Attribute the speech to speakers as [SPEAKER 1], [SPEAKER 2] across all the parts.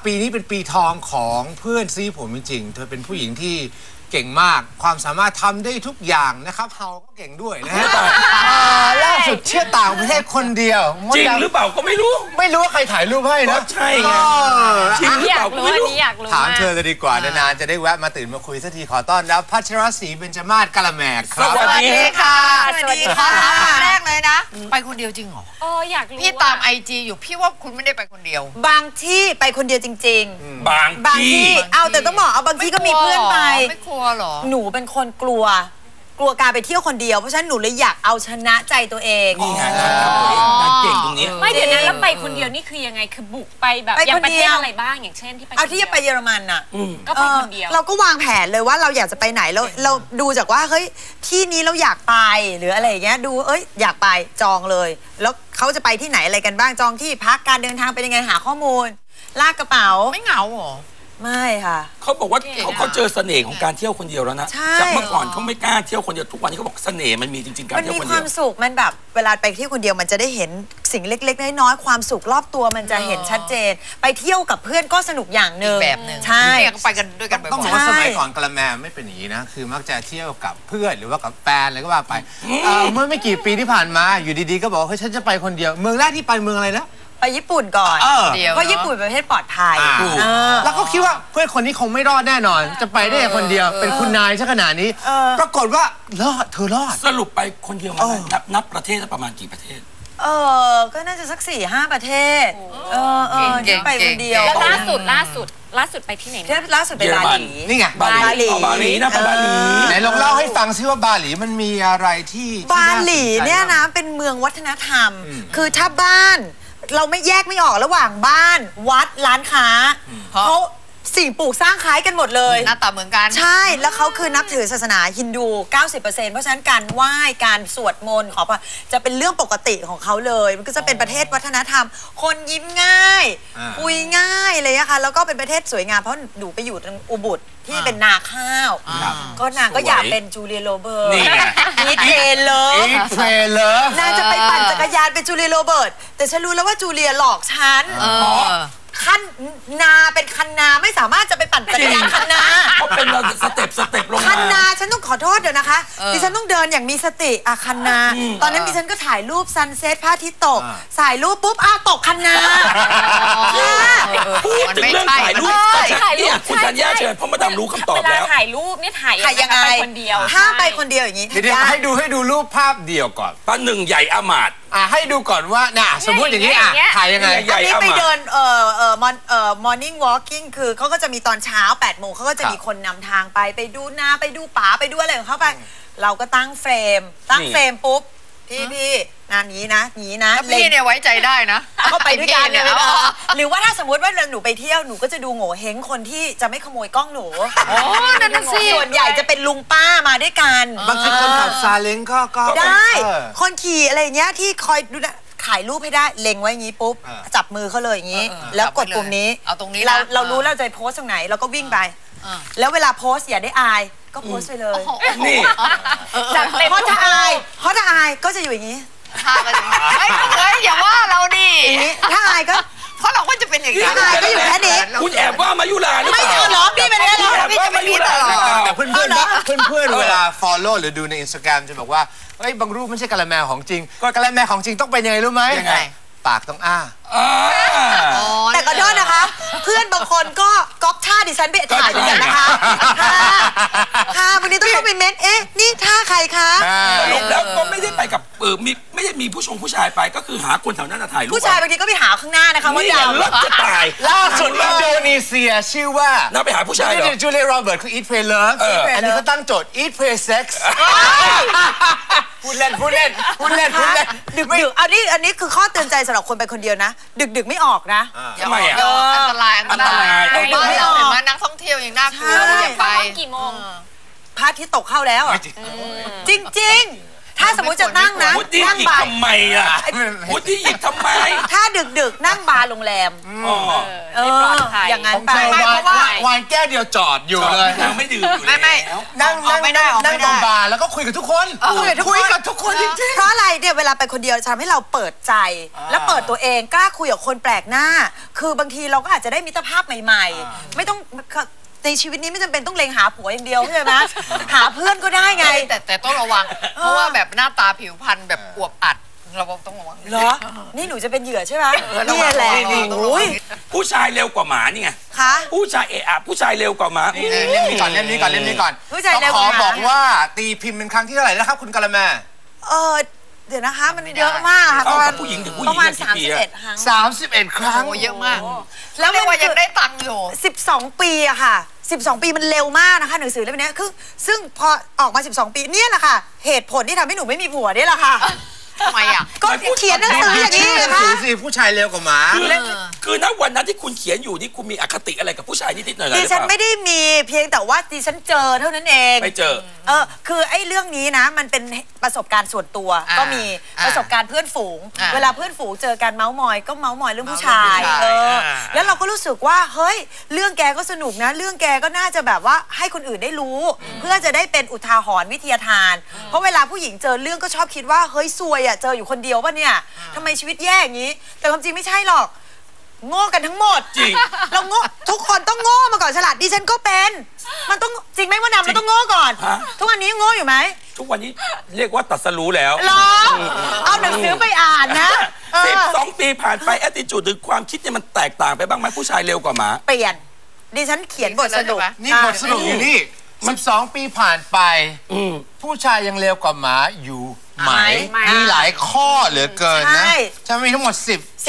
[SPEAKER 1] ปีนี้เป็นปีทองของเพื่อนซีผมจริงๆเธอเป็นผู้หญิงที่เก่งมากความสามารถทำได้ทุกอย่างนะครับเฮาก็เก่งด้วยนะฮะล่าสุดเที่ยวต่างประเทศคนเดียว
[SPEAKER 2] จริงหรือเปล่าก็ไม่รู้
[SPEAKER 1] ว่าใครถ่ายรูปให้นะ
[SPEAKER 2] ใช่ไงจริงหรือเปล่าก็ไม่รู้
[SPEAKER 1] ถามเธอเลยดีกว่านานๆจะได้แวะมาตื่นมาคุยสักทีขอต้อนรับพัชรศรีเบญจมาศกะละแมครับ
[SPEAKER 2] สวัสดี
[SPEAKER 3] ค่ะสวัสดีค่ะแรกเลยนะไปคนเดียวจริงเหรอ
[SPEAKER 4] อยากรู้
[SPEAKER 3] พี่ตามIGอยู่พี่ว่าคุณไม่ได้ไปคนเดียว
[SPEAKER 5] บางที่ไปคนเดียวจริง
[SPEAKER 2] ๆบางที่
[SPEAKER 5] เอาแต่ต้องบอกเอาบางที่ก็มีเพื่อนไป
[SPEAKER 3] ไม่กลัวหรอ
[SPEAKER 5] หนูเป็นคนกลัวการไปเที่ยวคนเดียวเพราะฉะนั้นหนูเลยอยากเอาชนะใจตัวเอง
[SPEAKER 2] นี่ไงเก่งตรงนี้
[SPEAKER 4] ไม่เดี๋ยวนั้นแล้วไปคนเดียวนี่คือยังไงคือบุกไปแบบอย่างประเทศอะไรบ้างอย่างเช่นที่ไป
[SPEAKER 5] เอาที่จะไปเยอรมันอ่ะ
[SPEAKER 4] ก็ไปคนเดียว
[SPEAKER 5] เราก็วางแผนเลยว่าเราอยากจะไปไหนเราดูจากว่าเฮ้ยที่นี้เราอยากไปหรืออะไรอย่างเงี้ยดูอยากไปจองเลยแล้วเขาจะไปที่ไหนอะไรกันบ้างจองที่พักการเดินทางเป็นยังไงหาข้อมูลลากกระเป๋า
[SPEAKER 3] ไม่เหงาหรอ
[SPEAKER 5] ไม่ค่ะ
[SPEAKER 2] เขาบอกว่าเขาเจอเสน่ห์ของการเที่ยวคนเดียวแล้วนะจากเมื่อก่อนเขาไม่กล้าเที่ยวคนเดียวทุกวันนี้เขาบอกเสน่ห์มันมีจริงๆการเที่ยวคนเดียวมัน
[SPEAKER 5] มีความสุขมันแบบเวลาไปเที่ยวคนเดียวมันจะได้เห็นสิ่งเล็กๆน้อยๆความสุขรอบตัวมันจะเห็นชัดเจนไปเที่ยวกับเพื่อนก็สนุกอย่างหนึ่ง
[SPEAKER 3] แบบหนึ่ง
[SPEAKER 5] ใช่
[SPEAKER 3] ไปกันด้วยกัน
[SPEAKER 1] ต้องบอกว่าสมัยก่อนกะละแมไม่เป็นอย่างนี้นะคือมักจะเที่ยวกับเพื่อนหรือว่ากับแฟนอะไรก็ว่าไปเมื่อไม่กี่ปีที่ผ่านมาอยู่ดีๆก็บอกเฮ้ยฉันจะไปคนเดียวเมืองแรกที่ไปเมืองอะไรนะ
[SPEAKER 5] ไปญี่ปุ่นก่อนเพราะญี่ปุ่นเป็นประเทศปลอดภัย
[SPEAKER 1] แล้วก็คิดว่าเพื่อนคนนี้คงไม่รอดแน่นอนจะไปได้คนเดียวเป็นคุณนายซะขนาดนี้ปรากฏว่ารอดเธอรอด
[SPEAKER 2] สรุปไปคนเดียวมานับประเทศประมาณกี่ประเทศ
[SPEAKER 5] ก็น่าจะสัก 4-5 ประเทศไปคนเดียว
[SPEAKER 4] แล้วล่าสุดไปที่ไหน
[SPEAKER 5] ล่าสุดไปบาหลี
[SPEAKER 1] นี่ไง
[SPEAKER 2] บาหลีนะไปบาหลี
[SPEAKER 1] ไหนลองเล่าให้ฟังซิว่าบาหลีมันมีอะไรที่
[SPEAKER 5] บาหลีเนี่ยนะเป็นเมืองวัฒนธรรมคือถ้าบ้านเราไม่แยกไม่ออกระหว่างบ้านวัดร้านค้าเขาสิ่งปลูกสร้างคล้ายกันหมดเลย
[SPEAKER 3] หน้าตาเหมือนกัน
[SPEAKER 5] ใช่แล้วเขาคือนับถือศาสนาฮินดู 90% เพราะฉะนั้นการไหว้การสวดมนต์ขอพรจะเป็นเรื่องปกติของเขาเลยมันก็จะเป็นประเทศวัฒนธรรมคนยิ้มง่ายคุยง่ายเลยนะคะแล้วก็เป็นประเทศสวยงามเพราะหนูไปอยู่ตรงอุบุตที่เป็นนาข้าวก็นางก็อยากเป็นจูเลียโรเบิร์ตอีเทเลอร์นางจะไปปั่นจักรยานเป็นจูเลียโรเบิร์ตแต่ฉันรู้แล้วว่าจูเลียหลอกฉันคันนาเป็นคันนาไม่สามารถจะไปปั่นจักรยานคันนา
[SPEAKER 2] เขาเป็นสเต็ปลงมา
[SPEAKER 5] คันนาฉันต้องขอโทษเดี๋ยวนะคะดิฉันต้องเดินอย่างมีสติคันนาตอนนั้นดิฉันก็ถ่ายรูปซันเซ็ตพระอาทิตย์ตกถ่ายรูปปุ๊บตกคันนา
[SPEAKER 2] พูดถึงเรื่องถ่ายรูปเนี่ยคุณธัญญาเชิญเพราะมาดามรู้คำตอบแล้ว
[SPEAKER 4] ถ่ายรูปเนี่ยถ่ายยังไงไปคนเดียว
[SPEAKER 5] ถ้าไปคนเดียวอย่างนี้
[SPEAKER 1] เดี๋ยวให้ดูรูปภาพเดียวก่อน
[SPEAKER 2] ป้าหนึ่งใหญ่อามาด
[SPEAKER 1] ให้ดูก่อนว่าสมมติอย่างนี้ถ่ายยังไง
[SPEAKER 5] อันนี้ไปเดินmorning walking คือเขาก็จะมีตอนเช้า 8 โมงเขาก็จะมีคนนำทางไปดูนาไปดูป่าไปดูอะไรของเขาไปเราก็ตั้งเฟรมปุ๊บพี่งานนี้นะ
[SPEAKER 3] พี่เนี่ยไว้ใจได้นะ
[SPEAKER 5] ก็ไปด้วยกันเนี่ยหรือว่าถ้าสมมติว่าหนูไปเที่ยวหนูก็จะดูโง่เฮงคนที่จะไม่ขโมยกล้องหนู
[SPEAKER 3] นั่นสิ
[SPEAKER 5] ส่วนใหญ่จะเป็นลุงป้ามาด้วยกัน
[SPEAKER 1] บางทีคนขับซาเล้งก็
[SPEAKER 5] ได้คนขี่อะไรเงี้ยที่คอยดูถ่ายรูปให้ได้เล็งไว้อย่างนี้ปุ๊บจับมือเขาเลยอย่างนี้แล้วกดปุ่มนี้
[SPEAKER 3] เอาตรงนี้
[SPEAKER 5] เรารู้เราจะโพสตรงไหนเราก็วิ่งไปแล้วเวลาโพสอย่าได้อายก็โพสไปเลย
[SPEAKER 2] นี่
[SPEAKER 5] เพราะถ้าอายก็จะอยู่อย่างนี้
[SPEAKER 3] อย่าว่าเราดิ
[SPEAKER 5] ถ้าอายก็
[SPEAKER 3] เพราะเราก็จะเป็นอย่างนี้
[SPEAKER 5] ถ้าอายก็อยู่แค่นี้
[SPEAKER 2] คุณแอบว่ามายุราหรือเปล่า
[SPEAKER 5] ไม่เอาหรอพี่เป็นแน่นอนพี่จะไม่มีตลอด
[SPEAKER 1] แต่เพื่อนเวลา follow หรือดูใน Instagram จะบอกว่าบางรูปไม่ใช่กะละแมของจริงกะละแมของจริงต้องเป็นยังไงรู้ไหมปากต้อง
[SPEAKER 5] แต่ก็โทษนะคะเพื่อนบางคนก็ก๊อปท่าดิฉันไปถ่ายเหมือนกันนะคะวันนี้ต้องเข้าไปเม้นนี่ท่าใครคะ
[SPEAKER 2] สรุปแล้วก็ไม่ได้ไปกับไม่ได้มีผู้ชายไปก็คือหาคนแถวนั้นถ่ายรูป
[SPEAKER 5] ผู้ชายบางทีก็ไปหาข้างหน้านะคะว่า
[SPEAKER 2] ดาวรถจะตาย
[SPEAKER 1] ล่าสุดอินโดนีเซียชื่อว่า
[SPEAKER 2] น่าไปหาผู้ชายเหรอ
[SPEAKER 1] จูเลียโรเบิร์ตคือ Eat Pray Love อันนี้เขาตั้งโจทย์ Eat Pray Sex พูดเล่น
[SPEAKER 5] ดึกอันนี้คือข้อเตือนใจสำหรับคนไปคนเดียวนะดึกไม่ออกนะ
[SPEAKER 2] ทำไม
[SPEAKER 3] อันตรายดึกไม่ออกเห็นไหมนักท่องเที่ยวยังน่ากลัวอย่าไป
[SPEAKER 4] กี่โมง
[SPEAKER 5] พระอาทิตย์ตกเข้าแล้วจริงถ้าสมมติจะนั่งนะ
[SPEAKER 2] นั่งบาร์ทำไมพุทธิหยิบทำไม
[SPEAKER 5] ถ้าดึกนั่งบาร์โรงแรม
[SPEAKER 4] ไม่ปลอดภัย
[SPEAKER 5] อย่างนั้น
[SPEAKER 1] ของ
[SPEAKER 5] ไป
[SPEAKER 1] เธอ
[SPEAKER 3] ไม่เพราะว่า
[SPEAKER 1] วายแก้วเดียวจอดอยู่เลย
[SPEAKER 2] นางไม่ดื่มอยู่
[SPEAKER 3] ไม่
[SPEAKER 2] แล้ว
[SPEAKER 1] นั่ง
[SPEAKER 3] ออกไม่ได้ออกไม่ได้
[SPEAKER 1] นั่งตรงบาร์แล้วก็คุยกับทุกคน
[SPEAKER 5] คุยกับทุกคน
[SPEAKER 1] คุยกับทุกคนจริง
[SPEAKER 5] เพราะอะไรเนี่ยเวลาไปคนเดียวจะทำให้เราเปิดใจ และเปิดตัวเองกล้าคุยกับคนแปลกหน้า คือบางทีเราก็อาจจะได้มิตรภาพใหม่ๆ ไม่ต้องในชีวิตนี้ไม่จำเป็นต้องเล็งหาผัวอย่างเดียวใช่ไหมหาเพื่อนก็ได้ไง
[SPEAKER 3] แต่ต้องระวัง เพราะว่าแบบหน้าตาผิวพรรณแบบอวบอัดเราต้องระวัง
[SPEAKER 5] เหรอ นี่หนูจะเป็นเหยื่อใช่ไหม
[SPEAKER 3] ระวั
[SPEAKER 5] นี่
[SPEAKER 3] ง
[SPEAKER 5] แหละ
[SPEAKER 3] ระวัง
[SPEAKER 5] โอ้ย
[SPEAKER 2] ผู้ชายเร็วกว่าหมานี่ไง
[SPEAKER 5] คะ
[SPEAKER 2] ผู้ชายผู้ชายเร็วกว่าหมา
[SPEAKER 1] ๆนี่เล่มนี้ก่อนเล่มนี้ก่อนเล่มนี้ก่อน
[SPEAKER 5] ผู้ชายเร็ว
[SPEAKER 1] ข
[SPEAKER 5] ก
[SPEAKER 1] อ
[SPEAKER 5] ว่าหมา
[SPEAKER 1] บอกว่าตีพิมพ์เป็นครั้งที่เท่าไหร่นะครับคุณกะละแม
[SPEAKER 5] เดี๋ยวนะคะมันเยอะมากค่ะ
[SPEAKER 2] เท่า
[SPEAKER 5] ประมา
[SPEAKER 2] กั
[SPEAKER 5] ณ
[SPEAKER 2] บผู้หญิงถึงผู้ห
[SPEAKER 5] ป
[SPEAKER 2] ญิง
[SPEAKER 5] ระมาณ
[SPEAKER 2] เนี่ยกี่ปีอะ
[SPEAKER 5] 31 ครั้ง
[SPEAKER 1] 31 ครั้ง
[SPEAKER 3] โอ้เยอะมาก
[SPEAKER 5] แล้ว
[SPEAKER 3] เรียกว่ายังได้ตังค์อยู่
[SPEAKER 5] 12 ปีอะค่ะ 12 ปีมันเร็วมากนะคะหนังสือเล่มนี้คือซึ่งพอออกมา 12 ปีเนี่ยแหละค่ะ เหตุผลที่ทำให้หนูไม่มีผัวเนี่ยแหละค่ะ
[SPEAKER 3] ทำไมอ่ะ
[SPEAKER 5] ก็เขียนหนังสืออย่างนี้
[SPEAKER 1] ชื่อห
[SPEAKER 5] เล
[SPEAKER 1] นั
[SPEAKER 5] ย
[SPEAKER 1] ง
[SPEAKER 5] ค่ะ
[SPEAKER 1] สือสิผู้ชายเร็วกว่าหมา
[SPEAKER 2] คือณวันนั้นที่คุณเขียนอยู่นี่คุณมีอคติอะไรกับผู้ชายนิดๆหน่อยๆห
[SPEAKER 5] ดิ
[SPEAKER 2] รือ
[SPEAKER 5] ฉัน
[SPEAKER 2] เปล่า
[SPEAKER 5] ไม่ได้มีเพียงแต่ว่าดิฉันเจอเท่านั้นเอง
[SPEAKER 2] ไปเจอ
[SPEAKER 5] คือไอ้เรื่องนี้นะมันเป็นประสบการณ์ส่วนตัว
[SPEAKER 3] อ่า
[SPEAKER 5] ก็มี
[SPEAKER 3] อ่า
[SPEAKER 5] ประสบการณ์เพื่อนฝูง
[SPEAKER 3] อ่า
[SPEAKER 5] เวลาเพื่อนฝูงเจอกันเมาส์มอยก็เมาส์มอยเรื่องผู้ชาย
[SPEAKER 3] เมาส์เรื่องผู้ชาย
[SPEAKER 5] แล้วเราก็รู้สึกว่าเฮ้ยเรื่องแกก็สนุกนะ เรื่องแกก็น่าจะแบบว่าให้คนอื่นได้รู้ เพื่อจะได้เป็นอุทาหรณ์วิทยาทาน เพราะเวลาผู้หญิงเจอเรื่องก็ชอบคิดว่าเฮ้ยซวยอ่ะเจออยู่คนเดียวป่ะเนี่ยทำไมชีวิตแย่อย่างนี้ แต่ความจริงไม่ใช่หรอกโง่กันทั้งหมด
[SPEAKER 2] จริง
[SPEAKER 5] เราโง่ทุกคนต้องโง่มาก่อนฉลาดดิฉันก็เป็นมันต้องจริงไหมว่านำเราต้องโง่ก่อน
[SPEAKER 2] ฮะ
[SPEAKER 5] ทุกวันนี้ยังโง่อยู่ไหม
[SPEAKER 2] ทุกวันนี้เรียกว่าตัดสรู้แล้ว
[SPEAKER 5] หรอเอาหนังสือไปอ่านนะ
[SPEAKER 2] 12 ปีผ่านไปแอตติจูดหรือความคิดเนี่ยมันแตกต่างไปบ้างไหมผู้ชายเร็วกว่าหมา
[SPEAKER 5] เปลี่ยนดิฉันเขียนบทสรุป
[SPEAKER 1] นี่บทสรุปอยู่นี่ 12 ปีผ่านไป ผู้ชายยังเร็วกว่าหมาอยู่ไหม มีหลายข้อเหลือเกินนะใช่ไหมมีทั้งหมด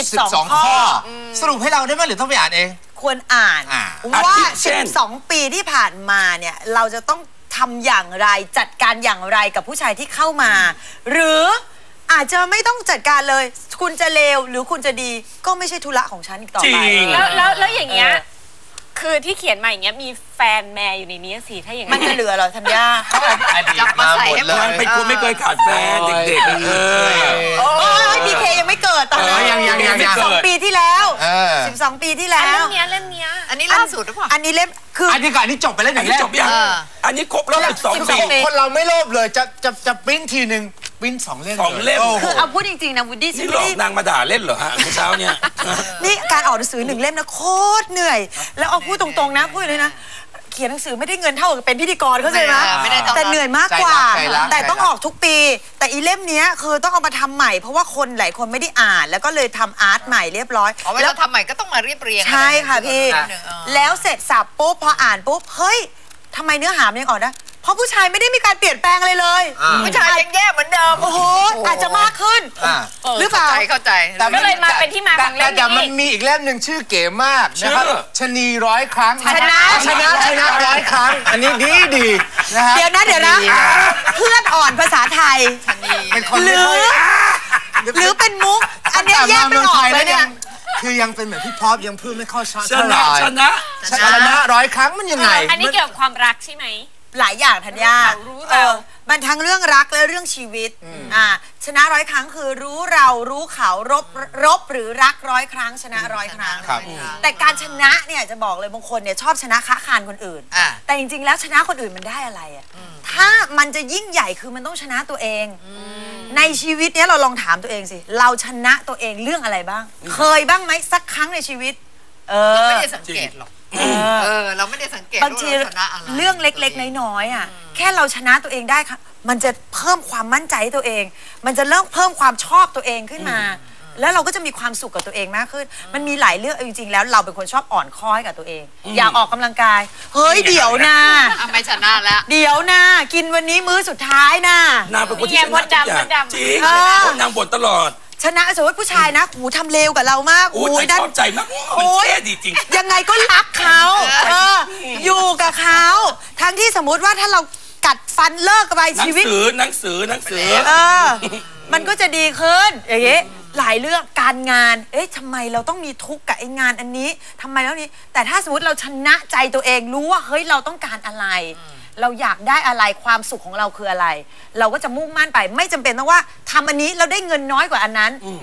[SPEAKER 1] 12 ข้อ สรุปให้เราได้ไหมหรือต้องไปอ่านเอง
[SPEAKER 5] ควรอ่าน ว่า
[SPEAKER 2] อาทิเช่น
[SPEAKER 5] 12 ปีที่ผ่านมาเนี่ยเราจะต้องทำอย่างไรจัดการอย่างไรกับผู้ชายที่เข้ามา หรืออาจจะไม่ต้องจัดการเลย คุณจะเลวหรือคุณจะดีก็ไม่ใช่ธุระของฉันอีกต่อ
[SPEAKER 2] จริ
[SPEAKER 5] ไป
[SPEAKER 2] ง
[SPEAKER 4] แล้วอย่างเงี้ยคือที่เขียนมาอย่างเงี้ยมีแฟนแม่อยู่ในนี้สิถ้าอย่าง
[SPEAKER 5] มัน
[SPEAKER 4] นั้น
[SPEAKER 5] จะเหลือเหรอธัญญา
[SPEAKER 1] อดีตมาหมดเล
[SPEAKER 2] นาง
[SPEAKER 1] ย
[SPEAKER 2] เป็นคนไม่เคยขาดแฟนเด็กๆ
[SPEAKER 5] โอ้ยพีเคยังไม่เกิดตอนนั้น
[SPEAKER 1] ยัง
[SPEAKER 5] 12 ปีที่แล้ว 12 ปีที่แล้
[SPEAKER 4] เล่
[SPEAKER 5] ว
[SPEAKER 4] มเนี้ย
[SPEAKER 3] อันนี้ล่าสุดหรือเปล่า
[SPEAKER 5] อันนี้เล่มคือ
[SPEAKER 1] อันนี้ก่อนอันนี้จบไปแล้วอ
[SPEAKER 2] อัน
[SPEAKER 1] ย่าง
[SPEAKER 2] นี้
[SPEAKER 1] แรก
[SPEAKER 2] จบยัง อันนี้ครบแล้ว12 ปี
[SPEAKER 1] คนเราไม่โลภเลยจะปริ้นทีหนึ่งปริ้น2 เล่ม
[SPEAKER 2] 2 เล่ม
[SPEAKER 1] โโห
[SPEAKER 5] คือเอาพูดจริงๆนะวูดดี้ฉั
[SPEAKER 2] นี่
[SPEAKER 5] น
[SPEAKER 2] หล
[SPEAKER 5] ไม่
[SPEAKER 2] อก
[SPEAKER 5] ได้
[SPEAKER 2] นางมาด่าเล่นเหรอฮะเมื่อเช้าเนี่ย
[SPEAKER 5] นี่การออกหนังสือ1 เล่มนะโคตรเหนื่อย แล้วเอาพูดตรงๆนะพูดเลยนะ เขียนหนังสือไม่ได้เงินเท่ากับเป็นพิธีกรเข้าใจไหม
[SPEAKER 3] ไม่ได้เท่านั้น
[SPEAKER 5] แต่เหนื่อยมากกว่า
[SPEAKER 1] ใจรัก
[SPEAKER 5] แต่ต้องออกทุกปี แต่อีเล่มเนี้ยคือต้องเอามาทำใหม่เพราะว่าคนหลายคนไม่ได้อ่าน แล้วก็เลยทำอาร์ตใหม่เรียบร้อย
[SPEAKER 3] เอาไว้
[SPEAKER 5] แล้
[SPEAKER 3] เราทำใหม่ก็ต้องมาเรียบเรียง
[SPEAKER 5] ใช่ค่ะพี่
[SPEAKER 3] นิดนึง
[SPEAKER 5] แล้วเสร็จสับปุ๊บพออ่านปุ๊บเฮ้ยทำไมเนื้อหามันยังออกนะเพราะผู้ชายไม่ได้มีการเปลี่ยนแปลงอะไรเลย
[SPEAKER 3] ผู้ชายยังแย่เหมือนเดิม
[SPEAKER 5] โอ้โหอาจจะมากขึ้น หรือเปล่า
[SPEAKER 3] เข้าใจ
[SPEAKER 4] ก็เลยมาเป็นที่มาของเล่ม
[SPEAKER 1] แต่มัน
[SPEAKER 4] นี้
[SPEAKER 1] มีอีกเล่มหนึ่งชื่อเก๋มากนะครับ
[SPEAKER 2] ชื่อ
[SPEAKER 1] ชะนี100 ครั้ง
[SPEAKER 5] ชนะ
[SPEAKER 1] ชนะ100 ครั้ง อันนี้ดีนะฮะ
[SPEAKER 5] เดี๋ยวนะเพื่อนอ่อนภาษาไทย
[SPEAKER 1] เป็นคน
[SPEAKER 5] หรือเป็นมุก อันเนี้ยแยกไม่ออกเลยเนี่ย
[SPEAKER 1] คือยังเป็นเหมือนพี่พอปยังพูดไม่เข้าชัด
[SPEAKER 2] ช
[SPEAKER 1] เท่าไห
[SPEAKER 2] นะ
[SPEAKER 1] ร่
[SPEAKER 2] ชนะ
[SPEAKER 1] ชนะ100 ครั้งมันยังไง
[SPEAKER 4] อันนี้เกี่ยวกับความรักใช่ไหม
[SPEAKER 5] หลายอย่างธัญญา
[SPEAKER 4] รู้เรา
[SPEAKER 5] มันทั้งเรื่องรักและเรื่องชีวิตชนะ100 ครั้งคือรู้เรารู้เขารบหรือรัก100 ครั้งชนะ100 ครั้ง
[SPEAKER 1] ครับ
[SPEAKER 5] แต่การชนะเนี่ยจะบอกเลยบางคนเนี่ยชอบชนะค้าคานคนอื่น แต่จริงๆแล้วชนะคนอื่นมันได้อะไรอ่ะถ้ามันจะยิ่งใหญ่คือมันต้องชนะตัวเอง ในชีวิตเนี้ยเราลองถามตัวเองสิเราชนะตัวเองเรื่องอะไรบ้าง เคยบ้างไหมสักครั้งในชีวิต
[SPEAKER 3] เราไม่ได้สังเกตหรอกเราไม่ได้สังเกต
[SPEAKER 5] บางที
[SPEAKER 3] ว่าเราชนะอะไร
[SPEAKER 5] เรื่องเล็กๆน้อยๆอ่ะแค่เราชนะตัวเองได้ค่ะมันจะเพิ่มความมั่นใจให้ตัวเอง มันจะเริ่มเพิ่มความชอบตัวเองขึ้นมา แล้วเราก็จะมีความสุขกับตัวเองมากขึ้น มันมีหลายเรื่องจริงๆแล้วเราเป็นคนชอบอ่อนค้อยกับตัวเอง อยากออกกำลังกายเฮ้ยเดี๋ยวนะ
[SPEAKER 3] ไม่ชนะแล้ว
[SPEAKER 5] เดี๋ยวนะกินวันนี้มื้อสุดท้ายนะ
[SPEAKER 2] นางเป็นคนที่ชนะทุกอย่างจริงนางบ่นตลอด
[SPEAKER 5] ชนะสมมติผู้ชายนะหูทำเลวกับเรามาก
[SPEAKER 2] โอ้ย
[SPEAKER 5] นั่น
[SPEAKER 2] ชอบใจมากมันเท่ดีจริง
[SPEAKER 5] ยังไงก็รักเขาอยู่กับเขาทั้งที่สมมุติว่าถ้าเรากัดฟันเลิกกันไป
[SPEAKER 2] หนั
[SPEAKER 5] ชี
[SPEAKER 2] ง
[SPEAKER 5] วิต
[SPEAKER 2] สือ
[SPEAKER 5] มันก็จะดีขึ้นอย่างเงี้ยหลายเรื่องการงานทำไมเราต้องมีทุกข์กับไอ้งานอันนี้ทำไมแล้วนี้แต่ถ้าสมมติเราชนะใจตัวเองรู้ว่าเฮ้ยเราต้องการอะไร เราอยากได้อะไรความสุขของเราคืออะไร เราก็จะมุ่งมั่นไปไม่จำเป็นต้องว่าทำอันนี้เราได้เงินน้อยกว่าอันนั้น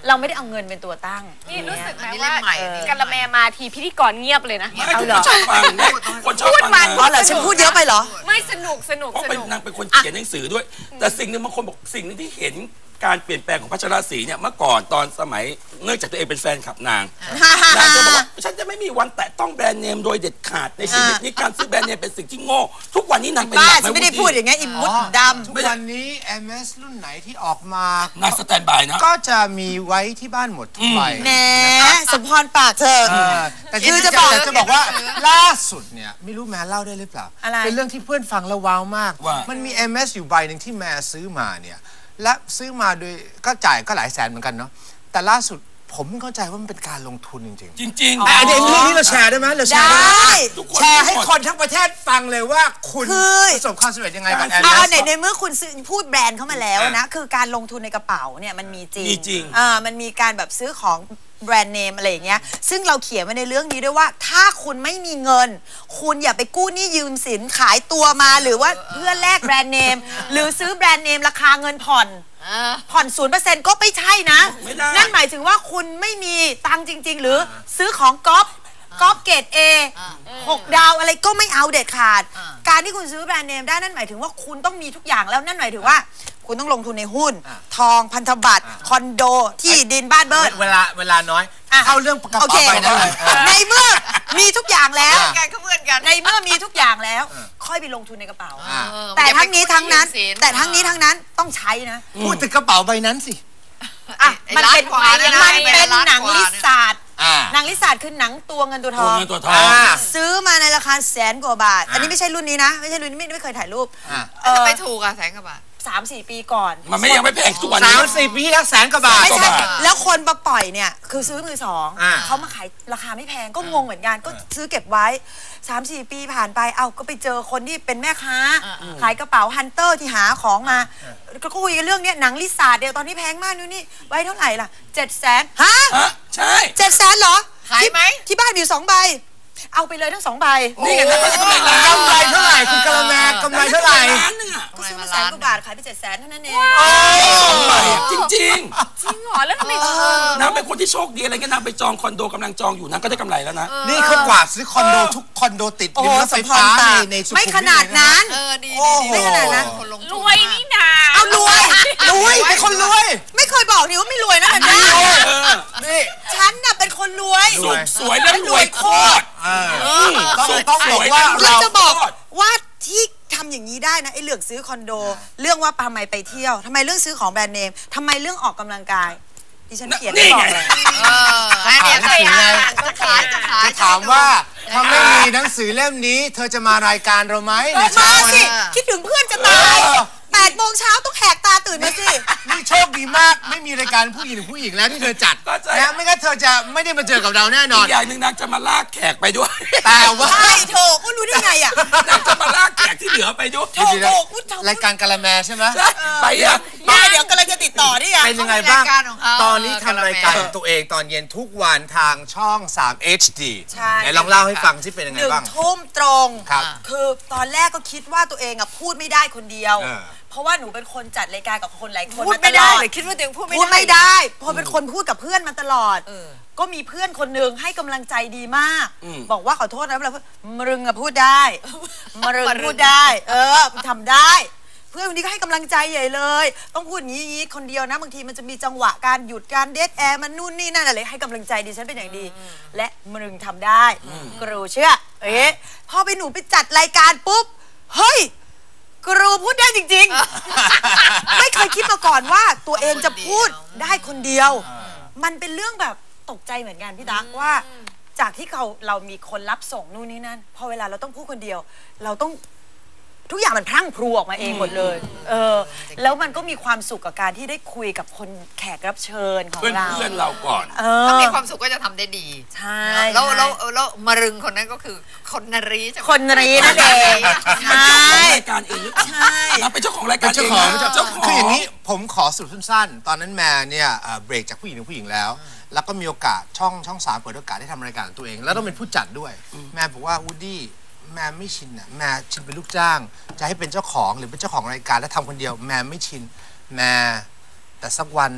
[SPEAKER 5] เราไม่ได้เอาเงินเป็นตัวตั้ง
[SPEAKER 4] นี่รู้สึกไหม
[SPEAKER 3] อันนี้
[SPEAKER 4] ว่า
[SPEAKER 3] เล่มใหม่อันนี้
[SPEAKER 4] กะละแมมาทีพิธีกรเงียบเลยนะ
[SPEAKER 2] ไม่ทุกคนชอบฟังนะคนชอบฟัง
[SPEAKER 5] อ๋อเหรอฉันพูดเยอะไปเหรอ
[SPEAKER 4] ไม่สนุกสนุก
[SPEAKER 2] เพราะ
[SPEAKER 4] ส
[SPEAKER 2] เป็น
[SPEAKER 4] นุก
[SPEAKER 2] นางเป็นคนเขียนหนังสือด้วย แต่สิ่งหนึ่งบางคนบอกสิ่งหนึงที่เห็นการเปลี่ยนแปลงของพัชรศรีเนี่ยเมื่อก่อนตอนสมัยเนื่องจากตัวเองเป็นแฟนคลับนางจะบอกว่าฉันจะไม่มีวันแตะต้องแบรนด์เนมโดยเด็ดขาดในชีวิตนี้การซื้อแบรนด์เนมเป็นสิ่งที่โง่ทุกวันนี้นางเป็น
[SPEAKER 5] บ้า
[SPEAKER 2] แบบ
[SPEAKER 5] ฉันไม่ได้พูดอย่างเงี้ยอิมมุดดำ
[SPEAKER 1] ทุกวันนี้ MS รุ่นไหนที่ออกมา
[SPEAKER 2] นางสแตนบายนะ
[SPEAKER 1] ก็จะมีไว้ที่บ้านหมดทุกใบ
[SPEAKER 5] แหมสมพรปากเธอ
[SPEAKER 1] แต่
[SPEAKER 5] คือจะบอก
[SPEAKER 1] จะบอกว่าล่าสุดเนี่ยไม่รู้แม่เล่าได้หรือเปล่า
[SPEAKER 5] อะไร
[SPEAKER 1] เป็นเรื่องที่เพื่อนฟังแล้วว้าวมาก
[SPEAKER 2] ว่า
[SPEAKER 1] มันมี MS อยู่ใบหนึ่งที่แม่ซื้อมาเนี่ยและซื้อมาโดยก็จ่ายก็หลายแสนเหมือนกันเนาะแต่ล่าสุดผมไม่เข้าใจว่ามันเป็นการลงทุนจริงๆ
[SPEAKER 2] จริง
[SPEAKER 1] แต่อันนี้เรื่องนี้เราแชร์ได้ไหมเราแชร์ได้ไหม
[SPEAKER 5] ได้
[SPEAKER 2] ทุกคน
[SPEAKER 1] แชร์ให้คนทั้งประเทศฟังเลยว่าคุณ
[SPEAKER 5] คือ
[SPEAKER 1] ประสบความสำเร็จยังไงกับแอ
[SPEAKER 5] เอา
[SPEAKER 1] น
[SPEAKER 5] ในเมื่อคุณซื้อพูดแบรนด์เข้ามาแล้วนะคือการลงทุนในกระเป๋าเนี่ยมันมีจริง
[SPEAKER 2] มีจริง
[SPEAKER 5] มันมีการแบบซื้อของแบรนด์เนมอะไรอย่างเงี้ยซึ่งเราเขียนไว้ในเรื่องนี้ด้วยว่าถ้าคุณไม่มีเงิน คุณอย่าไปกู้หนี้ยืมสินขายตัวมาหรือว่าเพื่อแลกแบรนด์เนม หรือซื้อแบรนด์เนมราคาเงินผ่อน0%ก็ไม่ใช่นะ
[SPEAKER 2] ไม่ได้
[SPEAKER 5] นั่นหมายถึงว่าคุณไม่มีตังค์จริง ๆ หรือซื้อของก๊อปเกรด A 6 ดาวอะไรก็ไม่เอาเด็ดขาด การที่คุณซื้อแบรนด์เนมได้นั่นหมายถึงว่าคุณต้องมีทุกอย่างแล้วนั่นหมายถึงว่า คุณต้องลงทุนในหุ้น ทองพันธบัตรคอนโดที่ดินบ้านเบิร์ด
[SPEAKER 1] เวลาน้อยเข้าเรื่องกระ
[SPEAKER 5] โอ
[SPEAKER 1] เป๋า
[SPEAKER 5] เค
[SPEAKER 1] ใบนั้นเลย
[SPEAKER 5] ในเมื่อมีทุกอย่างแล้ว
[SPEAKER 3] กันเขาเพื่อนกัน
[SPEAKER 5] ในเมื่อมีทุกอย่างแล้ว ค่อยไปลงทุนในกระเป๋า
[SPEAKER 3] เออ
[SPEAKER 5] แต่ทั้งนี้ทั้งนั้น
[SPEAKER 3] อย่าไปกู้หนี้ยืมสิน
[SPEAKER 5] แต่ทั้งนี้ทั้งนั้นต้องใช้นะ
[SPEAKER 1] พูดถึงกระเป๋าใบนั้นสิ
[SPEAKER 5] อ่ะ
[SPEAKER 3] ไอ้
[SPEAKER 5] มันเป็น
[SPEAKER 3] ล้านกว่าเนี่ยนะ
[SPEAKER 5] มันเป็น
[SPEAKER 3] ล้าน
[SPEAKER 5] หนัง
[SPEAKER 3] กว่า
[SPEAKER 5] ลิ
[SPEAKER 3] เนี่ย
[SPEAKER 5] ซาร์ด
[SPEAKER 1] อ่า
[SPEAKER 5] หนังลิซาร์ดคือหนังตัวเงินตัวท
[SPEAKER 2] ตัว
[SPEAKER 5] อง
[SPEAKER 2] เงินตัวทอง
[SPEAKER 5] ซื้อมาในราคา100,000 กว่าบาท อันนี้ไม่ใช่รุ่นนี้นะ ไม่ใช่รุ่นนี้ไม่เคยถ่ายรูป
[SPEAKER 3] แล้วทำไมถูกอ่ะแสนกว่าบาท
[SPEAKER 5] 3-4 ปีก่อน
[SPEAKER 2] มันไม่ยังไม่แพงทุกวัน
[SPEAKER 1] สา
[SPEAKER 2] นี้
[SPEAKER 1] มสี่ปีที่แล้วแสนกว่าบาท
[SPEAKER 5] ไม่ใช่
[SPEAKER 3] กว่าบาท
[SPEAKER 5] แล้วคนมาปล่อยเนี่ยคือซื้อมือสอง
[SPEAKER 1] อ่า
[SPEAKER 5] เขามาขายราคาไม่แพงก็งงเหมือนกันก็ซื้อเก็บไว้ 3-4 ปีผ่านไปเอ้าก็ไปเจอคนที่เป็นแม่ค้า ขายกระเป๋าฮันเตอร์ที่หาของมาก็คุยกันเรื่องเนี้ยหนังลิซ่าเดียวตอนนี้แพงมากนู่นนี่ไว้เท่าไหร่ล่ะ700,000ฮะ
[SPEAKER 2] ฮะใช่
[SPEAKER 5] 700,000เหรอ
[SPEAKER 3] ขายไหม
[SPEAKER 5] ที่บ้านมีอยู่2 ใบ เอาไปเลยทั้ง2 ใบ
[SPEAKER 2] นี่ไงนะเขาจะกำไรล้าน
[SPEAKER 1] กำไรเท่าไหร่คุณกะละแมกำไรเท่าไหร่
[SPEAKER 2] ล้านหนึงอ่ะ
[SPEAKER 5] ก็ซื้อมา100,000 กว่าบาทขายไป700,000เท่านั้นเอง
[SPEAKER 2] สองใบอะจริง
[SPEAKER 4] จริงเหรอแล้วทำไม
[SPEAKER 2] ๆนางเป็นคนที่โชคดีอะไรเงี้ยนางไปจองคอนโดกำลังจองอยู่นางก็ได้กำไรแล้วนะ
[SPEAKER 1] นี่เขากวาดซื้อคอนโดทุกคอนโดติด
[SPEAKER 5] โอ้
[SPEAKER 1] ริ
[SPEAKER 5] โห
[SPEAKER 1] มรถไฟฟ้า
[SPEAKER 5] สมพรปาก
[SPEAKER 1] ในสุขุมวิท
[SPEAKER 5] ไม่ขนาดนั้น
[SPEAKER 3] ดี
[SPEAKER 1] โอ้โห
[SPEAKER 5] ไม่ขนาดนั้น
[SPEAKER 3] คนลงทุน
[SPEAKER 4] รวยนี่นา
[SPEAKER 5] เอารวย
[SPEAKER 1] รวยเป็นคนรวย
[SPEAKER 5] ไม่เคยบอกนี่ว่าไม่รวยนะแบบนี้
[SPEAKER 1] นี่
[SPEAKER 5] ฉันน่ะเป็นคนรวย
[SPEAKER 2] สุขสวยและรวยโคตร
[SPEAKER 1] ต้องบอกว่า
[SPEAKER 5] เรา
[SPEAKER 1] เรา
[SPEAKER 5] จะบอกว่าที่ทำอย่างนี้ได้นะไอ้เรื่องซื้อคอนโด เรื่องว่าทำไมไปเที่ยวทำไมเรื่องซื้อของแบรนด์เนมทำไมเรื่องออกกำลังกายดิฉันเขียน
[SPEAKER 2] นี่
[SPEAKER 5] ไม่บอก
[SPEAKER 2] ไง
[SPEAKER 5] เลย
[SPEAKER 3] อันเนี้ย
[SPEAKER 1] ขายหนังสือไง
[SPEAKER 3] จะขายจะขาย
[SPEAKER 1] จะถามว่าถ้าไม่มีหนังสือเล่มนี้ เธอจะมารายการเราไหมใน
[SPEAKER 5] มา
[SPEAKER 1] เช้าวัน
[SPEAKER 5] สิ
[SPEAKER 1] นี้
[SPEAKER 5] คิดถึงเพื่อนจะตาย8 โมงเช้าต้องแหกตาตื่นมาสิ
[SPEAKER 1] นี่โชคดีมากไม่มีรายการผู้หญิงผู้หญิงแล้วที่เธอจัด
[SPEAKER 2] เข้าใจ
[SPEAKER 1] นะไม่งั้นเธอจะไม่ได้มาเจอกับเราแน่นอ
[SPEAKER 2] อี
[SPEAKER 1] น
[SPEAKER 2] กอย่างหนึ่งนางจะมาลากแขกไปด้วย
[SPEAKER 1] แต่ว่า
[SPEAKER 5] ใช่โถก็รู้ได้ไงอ่ะ
[SPEAKER 2] นางจะมาลากแขกที่เหลือไปด้วย
[SPEAKER 5] โถโถพูดเถอะ
[SPEAKER 1] รายการกะละแมใช่ไหม
[SPEAKER 2] ใช่ไปอ่ะ
[SPEAKER 5] มาเดี๋ยวกำลังจะติดต่อนี่ไง
[SPEAKER 1] เป็นยังไงบ้าง
[SPEAKER 3] รายการของเขา
[SPEAKER 1] ตอนนี้ทำรายการของตัวเองตอนเย็นทุกวันทางช่อง 3 HD
[SPEAKER 5] ใช่
[SPEAKER 1] ไหนลองเล่าให้ฟังสิเป็นยังไงบ้าง
[SPEAKER 5] 1 ทุ่มตรง
[SPEAKER 1] ครับ
[SPEAKER 5] คือตอนแรกก็คิดว่าตัวเองอ่ะพูดไม่ได้คนเดียว
[SPEAKER 1] เออ
[SPEAKER 5] เพราะว่าหนูเป็นคนจัดรายการกับคนหลายคน
[SPEAKER 3] พูด
[SPEAKER 5] มาต
[SPEAKER 3] ไม่
[SPEAKER 5] ล
[SPEAKER 3] ได้
[SPEAKER 5] อด
[SPEAKER 3] เลยคิดว่าตัวเองพูด
[SPEAKER 5] พูด
[SPEAKER 3] ไม่
[SPEAKER 5] ไม่
[SPEAKER 3] ได้
[SPEAKER 5] ได้เพราะเป็นคนพูดกับเพื่อนมาตลอด ก็มีเพื่อนคนหนึ่งให้กำลังใจดีมาก บอกว่าขอโทษนะเวลาพูดมรึงอะพูดได้มรึงพูดได้ ทำได้ เพื่อนคนนี้ก็ให้กำลังใจใหญ่เลย ต้องพูดอย่างนี้คนเดียวนะบางทีมันจะมีจังหวะการหยุดการเดทแอร์มันนู่นนี่นั่นอะไรให้กำลังใจดิฉันเป็นอย่างดี และมรึงทำได้กรูเชื่อพอไปหนูไปจัดรายการปุ๊บเฮ้ยกรูพูดได้จริงๆ ไม่เคยคิดมาก่อนว่าตัวเองจะพูดได้คนเดียว มันเป็นเรื่องแบบตกใจเหมือนกันพี่ตั๊กว่า จากที่เรามีคนรับส่งนู่นนี่นั่นพอเวลาเราต้องพูดคนเดียว เราต้องทุกอย่างมันพรั่งพรูออกมาเองหมดเลย แล้วมันก็มีความสุขกับการที่ได้คุยกับคนแขกรับเชิญของ
[SPEAKER 2] เพื่อน
[SPEAKER 5] เรา
[SPEAKER 2] เพื่อนเราก่อน
[SPEAKER 3] ถ้ามีความสุขก็จะทำได้ดี
[SPEAKER 5] ใช่
[SPEAKER 3] แล้วมรึงคนนั้นก็คือคนนรีใช่ไหม
[SPEAKER 5] คนรีนั่นเองใช่
[SPEAKER 2] รายการเองหรือเปล่า
[SPEAKER 5] ใช่
[SPEAKER 2] นางเป็นเจ้าของรายกา
[SPEAKER 1] เป็
[SPEAKER 2] ร
[SPEAKER 1] น
[SPEAKER 2] เอ
[SPEAKER 1] เจ้าง ของ
[SPEAKER 2] นะ
[SPEAKER 1] คืออย่างนี้ผมขอสรุปสั้นๆ ตอนนั้นแม่เนี่ยเบรกจากผู้หญิงถึงผู้หญิงแล้ว แล้วก็มีโอกาสช่อง3เปิดโอกาสให้ทำรายการของตัวเอง แล้วต้องเป็นผู้จัดด้วย แม่บอกว่าวูดดี้แม่ไม่ชินอ่ะแม่ชินเป็นลูกจ้าง จะให้เป็นเจ้าของหรือเป็นเจ้าของรายการแล้วทำคนเดียวแม่ไม่ชินแม่แต่สักวันหนึ่งอ่ะ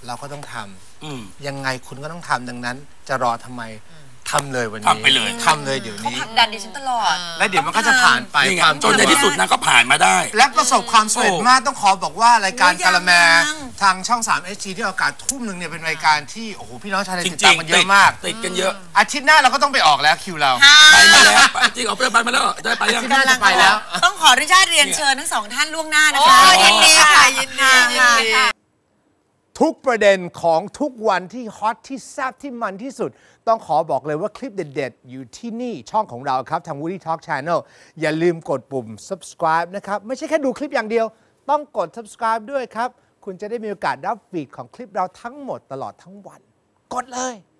[SPEAKER 1] เราก็ต้องท
[SPEAKER 2] อืม
[SPEAKER 1] ำยังไงคุณก็ต้องทำดังนั้นจะรอทำไมทำเลยวันนี้
[SPEAKER 2] ทำไปเลย
[SPEAKER 1] ทำเลยเดี๋ยว
[SPEAKER 5] เขา
[SPEAKER 1] นี้
[SPEAKER 5] ผลักดันดิฉันตลอด
[SPEAKER 1] และเดี๋ยวมันก็จะผ่านไป
[SPEAKER 2] นี่ไง
[SPEAKER 1] ความ
[SPEAKER 2] จนในที่สุดนางก็ผ่านมาได้
[SPEAKER 1] และประสบความสำเร็จ
[SPEAKER 2] โอ้
[SPEAKER 1] มากต้องขอบอกว่ารายการ
[SPEAKER 5] โอ้ย
[SPEAKER 1] กาละแม
[SPEAKER 5] ยัง
[SPEAKER 1] ทางช่อง 3 HD ที่ออกอากาศทุ่มหนึ่งเนี่ยเป็นรายการที่โอ้โหพี่น้องชาวไทย
[SPEAKER 2] จ
[SPEAKER 1] ติด
[SPEAKER 2] ริ
[SPEAKER 1] ตาง มกัน
[SPEAKER 2] ๆ
[SPEAKER 1] เยอะมาก
[SPEAKER 2] ติดกันเยอะ
[SPEAKER 1] อาทิตย์หน้าเราก็ต้องไปออกแล้วคิวเรา
[SPEAKER 2] ไปมาแล้วจริงเอาไปมาแล้วได้ไปยัง
[SPEAKER 1] น่าจะไปแล้ว
[SPEAKER 5] ต้องขออนุญาตเรียนเชิญทั้งสองท่านล่วงหน้านะ
[SPEAKER 3] โอ้
[SPEAKER 5] คะ
[SPEAKER 3] ยินดีค่ะยินดียินดี
[SPEAKER 1] ทุกประเด็นของทุกวันที่ฮอตที่แซ่บที่มันที่สุด ต้องขอบอกเลยว่าคลิปเด็ดๆ อยู่ที่นี่ช่องของเราครับ ทาง Woody Talk Channel อย่าลืมกดปุ่ม subscribe นะครับ ไม่ใช่แค่ดูคลิปอย่างเดียว ต้องกด subscribe ด้วยครับ คุณจะได้มีโอกาสรับฟีดของคลิปเราทั้งหมดตลอดทั้งวัน กดเลย